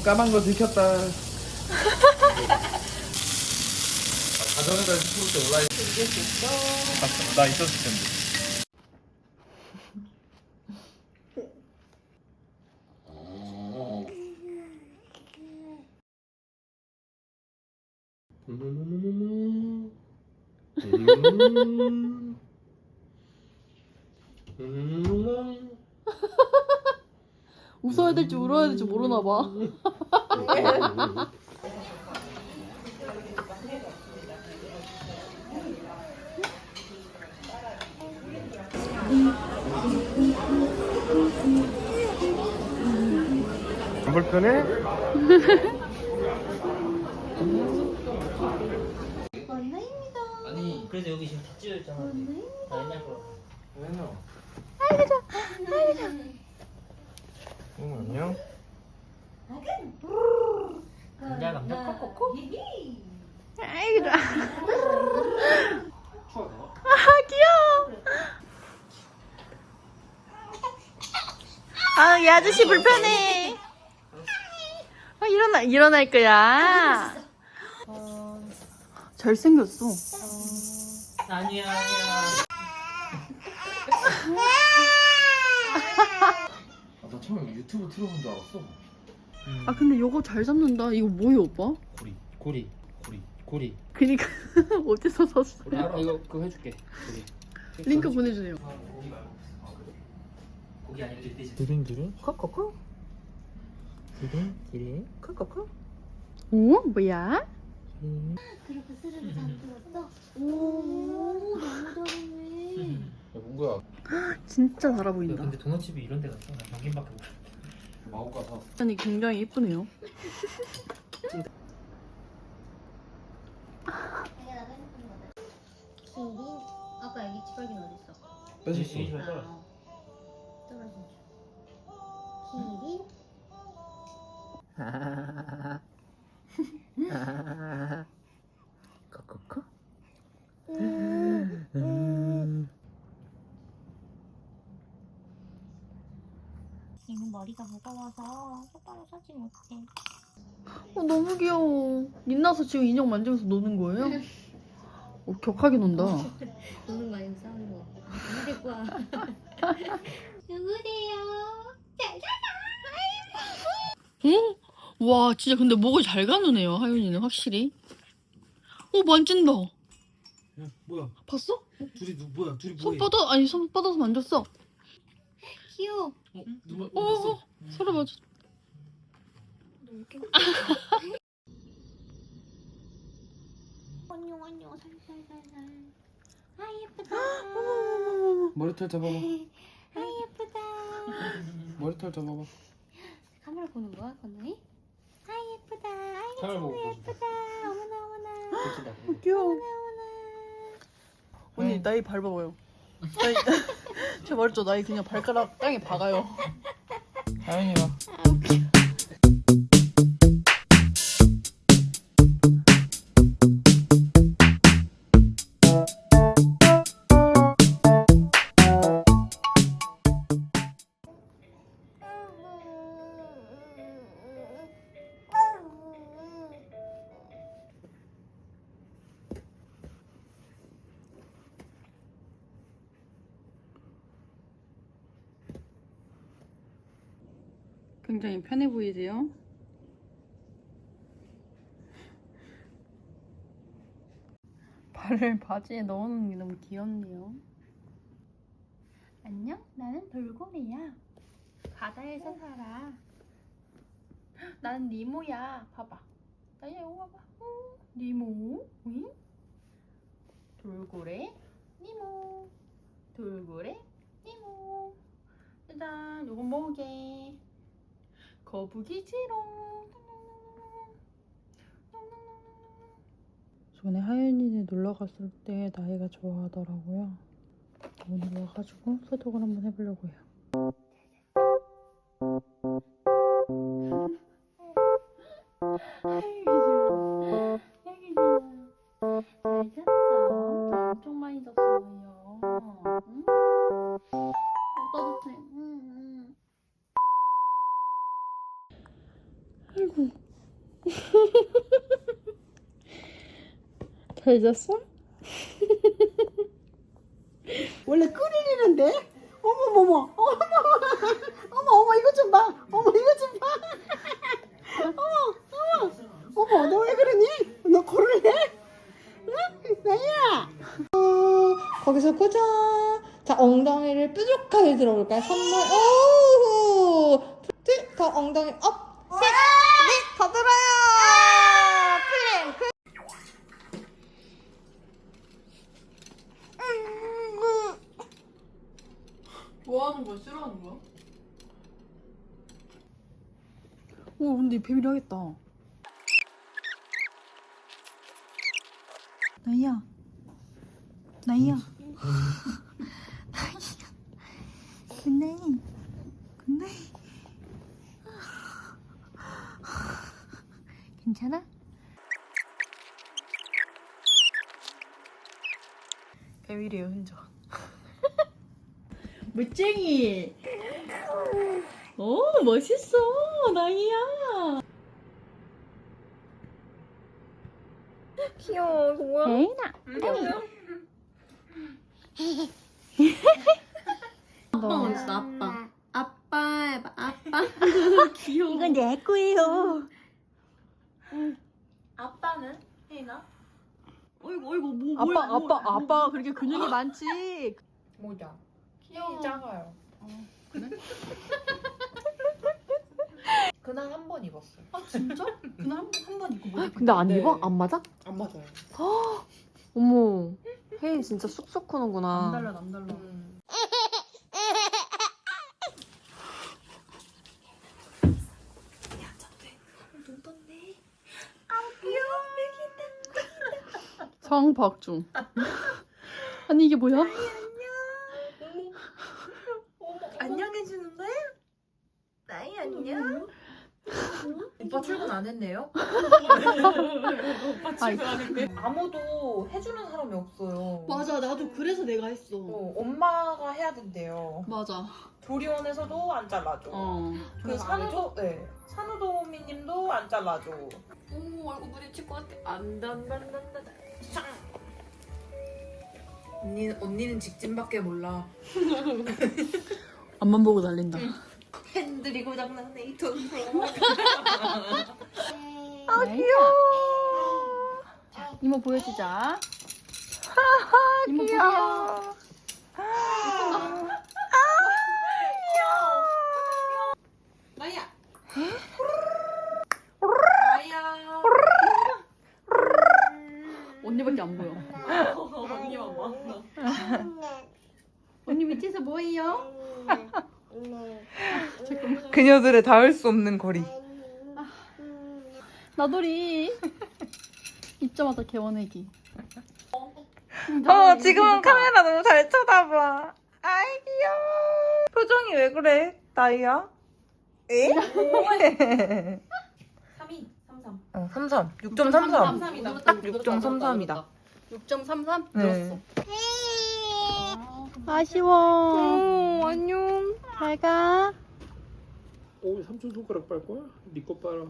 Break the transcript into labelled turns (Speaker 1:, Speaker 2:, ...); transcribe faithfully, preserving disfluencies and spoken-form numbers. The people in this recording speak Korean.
Speaker 1: 까만 거 들켰다. 아, 가정에다 스포츠 때 올라있.
Speaker 2: 이길 수 있어.
Speaker 1: 아, 나 있었을 텐데. 음. 음. 음.
Speaker 2: 웃어야 될지 울어야 될지 모르나 봐.
Speaker 1: 안 불편해?
Speaker 3: 만나입니다.
Speaker 4: 아니 그래서 여기 지금 다 찢어졌잖아. 나 옛날 거라.
Speaker 1: 왜요?
Speaker 3: 아이고 좋아. 아이고 좋아.
Speaker 1: 응, 안녕.
Speaker 4: 감자 감자 콕콕콕.
Speaker 3: 아이고 좋아. 아 귀여워. 아, 이 아저씨 불편해. 아, 일어나, 일어날 거야.
Speaker 2: 어... 잘생겼어.
Speaker 4: 어... 아니야 아니야.
Speaker 1: 아, 나 처음에 유튜브 틀어본 줄 알았어.
Speaker 4: 음.
Speaker 2: 아 근데 이거 잘 잡는다. 이거 뭐예요 오빠?
Speaker 4: 고리 고리 고리 고리.
Speaker 2: 그니까 어디서 샀어?
Speaker 4: 고리 알아? 이거 그거 해줄게. 고리.
Speaker 2: 링크 보내주세요.
Speaker 4: 고기 아니고 돼지.
Speaker 1: 드링 드링?
Speaker 4: 콕콕콕. 기린 기린 콕콕콕.
Speaker 2: 오 뭐야?
Speaker 3: 그렇게 스르르 잠들었어? 오, 너무 잘했네.
Speaker 1: 야, 뭔거야?
Speaker 2: 진짜 달아 보인다.
Speaker 4: 근데 도넛집이 이런 데가 있어. 나 경김밖에 못.
Speaker 1: 마구가 사.
Speaker 2: 아니 굉장히 예쁘네요.
Speaker 3: 기린? 아까 애기 치발긴 어딨어?
Speaker 1: 뺏었어.
Speaker 4: 이리 와.
Speaker 3: 아, 떨어진 줄. 기린?
Speaker 4: 콕콕콕.
Speaker 3: 얘는 머리가 무거워서 똑바로 서지 못해.
Speaker 2: 어, 너무 귀여워. 민나서 지금 인형 만지면서 노는 거예요? 어, 격하게 논다.
Speaker 3: 노는 거 아니고 싸우는 거. 안 데리고 와. 누구세요? 잘
Speaker 2: 어? 와 진짜 근데 목을 잘 가누네요 하윤이는 확실히. 어 만진다.
Speaker 4: 야, 뭐야?
Speaker 2: 봤어?
Speaker 4: 둘이 누 뭐야? 둘이
Speaker 2: 손
Speaker 4: 뭐해?
Speaker 2: 뻗어 아니 손 뻗어서 만졌어.
Speaker 3: 귀여워.
Speaker 4: 어, 누가
Speaker 2: 어, 어, 어 서로 맞아.
Speaker 3: 안녕 안녕 살살살살. 아 예쁘다.
Speaker 1: 머리털 잡아봐.
Speaker 3: 아 예쁘다.
Speaker 1: 머리털 잡아봐.
Speaker 3: 카메라 보는 거야 건우이? 아 예쁘다. 아이고
Speaker 4: 카메라 보고 보여줘.
Speaker 3: 예쁘다. 어머나 어머나.
Speaker 4: 그렇다.
Speaker 2: 귀여워.
Speaker 3: 어머나 어머나.
Speaker 2: 언니 나이 밟아봐요. 나이 제가 말했죠 나이 그냥 발가락 땅에 박아요.
Speaker 1: 하연이 와.
Speaker 3: 아 웃겨.
Speaker 2: 굉장히 편해 보이세요? 발을 바지에 넣어놓는 게 너무 귀엽네요.
Speaker 3: 안녕? 나는 돌고래야. 바다에서 살아.
Speaker 2: 난 니모야. 봐봐. 나야 이거 봐봐. 응. 니모. 응? 돌고래. 니모. 돌고래. 니모. 일단 요건 먹게. 거북이 지롱. 전에 하윤이네 놀러 갔을 때 나이가 좋아하더라고요. 오늘 와가지고 소독을 한번 해보려고 해요.
Speaker 3: 잘 잤어.
Speaker 2: 엄청 많이 잤어요. 응? 어, 따뜻해. 응, 응. 아이고. 잘 잤어?
Speaker 5: 원래 끓이는데? 어머머머, 어머, 어머, 어머, 이거 좀 봐. 어머, 이거 좀 봐. 어머, 어머, 어머, 너 왜 그러니? 너 고를래? 응? 나야.
Speaker 2: 거기서 꽂아. 자, 엉덩이를 뾰족하게 들어볼까요? 선물. 오! 둘, 더 엉덩이 업. 셋, 넷, 더 들어요. 플랭크.
Speaker 1: 뭐 하는 거야? 싫어하는 거야?
Speaker 2: 오, 근데 비밀 하겠다. 나이야. 나이야. 나이야. 굿나잇. 굿나잇. 괜찮아? 배밀이에요, 흔적. 물쟁이. 오, 멋있어, 나이야.
Speaker 3: 귀여워, 뭐야?
Speaker 2: 에이나.
Speaker 3: 아빠 멋있어, 아빠. 아빠 해봐, 아빠. 귀여워.
Speaker 2: 이건 내 거예요.
Speaker 3: 아빠는? 혜인아?
Speaker 2: 어이구, 어이구, 뭐,
Speaker 3: 아빠,
Speaker 2: 뭐야, 뭐,
Speaker 3: 아빠, 아빠 그렇게 근육이 많지.
Speaker 1: 모자. 키 작아요.
Speaker 6: 그날 한 번 입었어요.
Speaker 2: 아, 진짜? 그날 한 번 입고 못 입고.
Speaker 3: 근데 안
Speaker 6: 네.
Speaker 3: 입어? 안 맞아?
Speaker 1: 안 맞아요.
Speaker 3: 어머, 혜인 진짜 쑥쑥 크는구나.
Speaker 2: 남달라, 남달라.
Speaker 6: 음.
Speaker 3: 성박중. 아니 이게 뭐야?
Speaker 6: 안녕해주는 거야? 나이 안녕? 오빠 출근 안 했네요?
Speaker 3: 아이,
Speaker 6: 아무도 해주는 사람이 없어요.
Speaker 2: 맞아, 나도 그래서 내가 했어.
Speaker 6: 어, 엄마가 해야 된대요.
Speaker 2: 맞아.
Speaker 6: 조리원에서도 안 잘라줘.
Speaker 2: 어.
Speaker 6: 그 산후도, 네. 산후도우미님도 안 잘라줘.
Speaker 3: 어머 얼굴 부딪힐 것 같아. 안단단단단.
Speaker 6: 언니, 언니는 직진밖에 몰라.
Speaker 3: 앞만 보고 달린다.
Speaker 6: 팬들이 고장났네, 이 돈.
Speaker 3: 아 귀여워. 자, 이모 보여주자. 이모 귀여워.
Speaker 6: 나야. 나야.
Speaker 3: 언니밖에 안 보여.
Speaker 6: 언니만 봐.
Speaker 3: 언니 밑에서 뭐해요?
Speaker 1: 그녀들의 닿을 수 없는 거리.
Speaker 3: 나돌이. 입자마자 개원애기.
Speaker 1: 어, 지금은 카메라 너무 잘 쳐다봐. 아이, 귀여워. 표정이 왜 그래, 나이야? 에?
Speaker 6: 삼이, 삼삼.
Speaker 1: 어, 삼삼. 육 점 삼삼.
Speaker 6: 삼삼이다.
Speaker 1: 육 점 삼삼이다.
Speaker 3: 육 점 삼삼?
Speaker 1: 네.
Speaker 3: 아쉬워. 안녕. 잘 가.
Speaker 7: 오, 삼촌 손가락 빨 거야? 네 거 빨아.